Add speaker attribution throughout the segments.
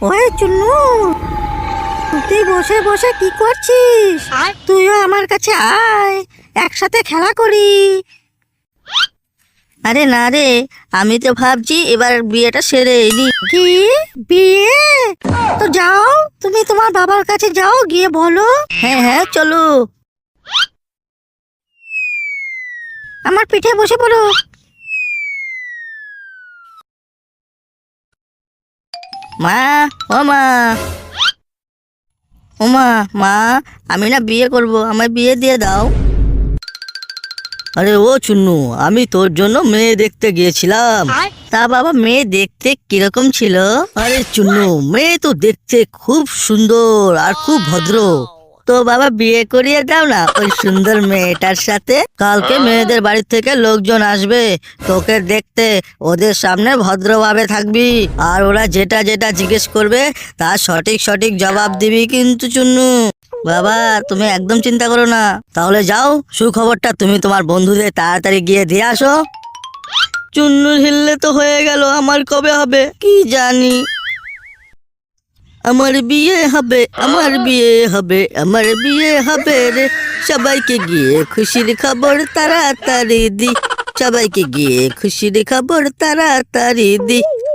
Speaker 1: ওই চুন্নু, তুই বসে বসে কি করছিস? তুইও আমার কাছে আয়, একসাথে খেলা করি। আরে না রে, আমি তো ভাবছি এবার বিয়েটা সেরে নি। কি বিয়ে? তো যাও, তুমি তোমার বাবার কাছে যাও, গিয়ে বলো। হ্যাঁ হ্যাঁ চলো, আমার পিঠে বসে পড়ো। মা, ও মা, ও মা, মা, আমি না বিয়ে করব, আমায় বিয়ে দিয়ে দাও। আরে ও চুন্নু, আমি তোর জন্য মেয়ে দেখতে গিয়েছিলাম। তা বাবা, মেয়ে দেখতে কিরকম ছিল? আরে চুন্নু, মেয়ে তো দেখতে খুব সুন্দর আর খুব ভদ্র। তো বাবা বিয়ে করিয়ে দাও না ওই সুন্দর মেয়েটার সাথে। কালকে মেয়েদের বাড়ি থেকে লোকজন আসবে তোকে দেখতে, ওদের সামনে ভদ্রভাবে থাকবি, আর ওরা যেটা যেটা জিজ্ঞেস করবে তার সঠিক সঠিক জবাব দিবি কিন্তু চুন্নু। বাবা তুমি একদম চিন্তা করো না। তাহলে যাও, সুখবরটা তুমি তোমার বন্ধুদের তাড়াতাড়ি গিয়ে দিয়ে আসো। চুন্নুর হিললে তো হয়ে গেল, আমার কবে হবে কি জানি। আমার বিয়ে হবে, আমার বিয়ে হবে, আমার বিয়ে হবে রে। সবাইকে গিয়ে খুশির খবর তাড়াতাড়ি দি, সবাইকে গিয়ে খুশির খবর তাড়াতাড়ি দি।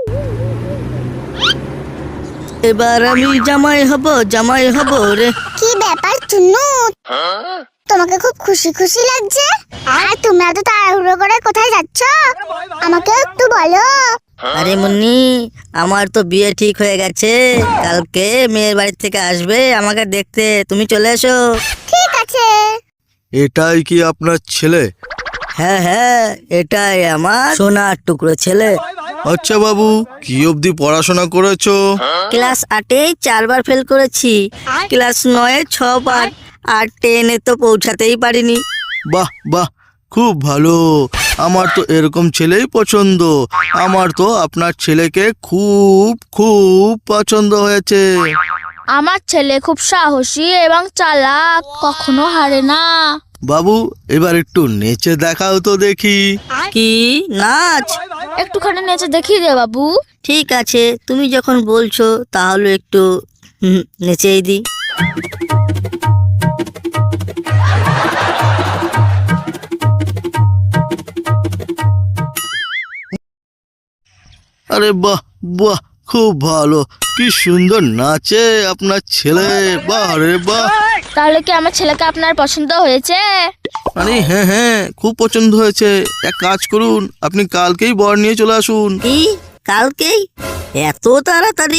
Speaker 1: এবার আমি জামাই হব, জামাই হব রে।
Speaker 2: কি ব্যাপার চুন্নু, তোমাকে খুব খুশি খুশি লাগছে? আর তুমি এত তাড়াহুড়ো করে কোথায় যাচ্ছ, আমাকে একটু বলো।
Speaker 1: আরে মুন্নি, আমার তো বিয়ে ঠিক হয়ে গেছে, কালকে মেয়ের বাড়ি থেকে আসবে আমাকে দেখতে, তুমি চলে এসো।
Speaker 2: ঠিক আছে।
Speaker 3: এটাই কি আপনার ছেলে?
Speaker 1: হ্যাঁ হ্যাঁ, এটাই আমার সোনার টুকরো ছেলে।
Speaker 3: আচ্ছা বাবু, কি অবধি পড়াশোনা করেছো?
Speaker 1: ক্লাস 8-এ 4বার ফেল করেছি, ক্লাস 9-এ 6বার, আর 10-এ তো পৌঁছাতেই পারিনি।
Speaker 3: বাহ বাহ, খুব ভালো। আমার তো এরকম ছেলেই পছন্দ। আমার তো আপনার ছেলেকে খুব খুব পছন্দ হয়েছে।
Speaker 4: আমার ছেলে খুব সাহসী এবং চালাক, কখনো হারে না।
Speaker 3: বাবু, এবার একটু নেচে দেখাও তো দেখি।
Speaker 1: কি নাচ?
Speaker 4: একটুখানি নেচে দেখিয়ে দে বাবু।
Speaker 1: ঠিক আছে, তুমি যখন বলছো তাহলে একটু নেচেই দিই।
Speaker 3: আরে বাহ বাহ, খুব ভালো। কি সুন্দর নাচে আপনার ছেলে, বাহ রে বাহ।
Speaker 4: তাহলে কি আমার ছেলেকে আপনার পছন্দ হয়েছে?
Speaker 3: আরে হ্যাঁ হ্যাঁ, খুব পছন্দ হয়েছে। এক কাজ করুন, আপনি কালকেই বর নিয়ে চলে আসুন।
Speaker 1: কি কালকেই? এত তাড়াতাড়ি?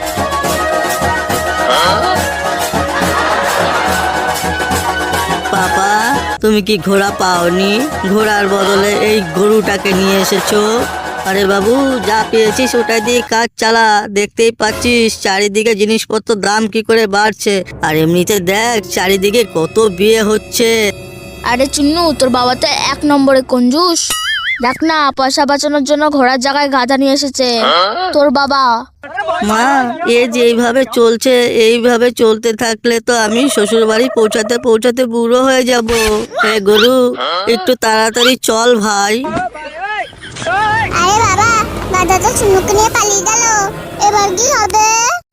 Speaker 1: পাপা, তুমি কি ঘোড়া পাওনি? ঘোড়ার বদলে এই গরুটাকে নিয়ে এসেছো। আরে বাবু, যা পেয়েছিস ওটা দিয়ে কাজ চালা। দেখতেই পাচ্ছিস চারিদিকে জিনিসপত্র দাম কি করে বাড়ছে, আর এমনিতে দেখ চারিদিকে কত বিয়ে হচ্ছে।
Speaker 4: আরে চুন্নু, তোর বাবা তো 1 নম্বরে কঞ্জুস। দেখ না, পয়সা বাঁচানোর জন্য ঘোড়ার জায়গায় গাধা নিয়ে এসেছে তোর বাবা।
Speaker 1: মা, এ যেইভাবে চলছে, এইভাবে চলতে থাকলে তো আমি শ্বশুর বাড়ি পৌঁছাতে পৌঁছাতে বুড়ো হয়ে যাব। এ গরু, একটু তাড়াতাড়ি চল ভাই।
Speaker 2: আরে বাবা, গাধা তো চুন্নুকে নিয়ে পালিয়ে গেল, এবার কি হবে?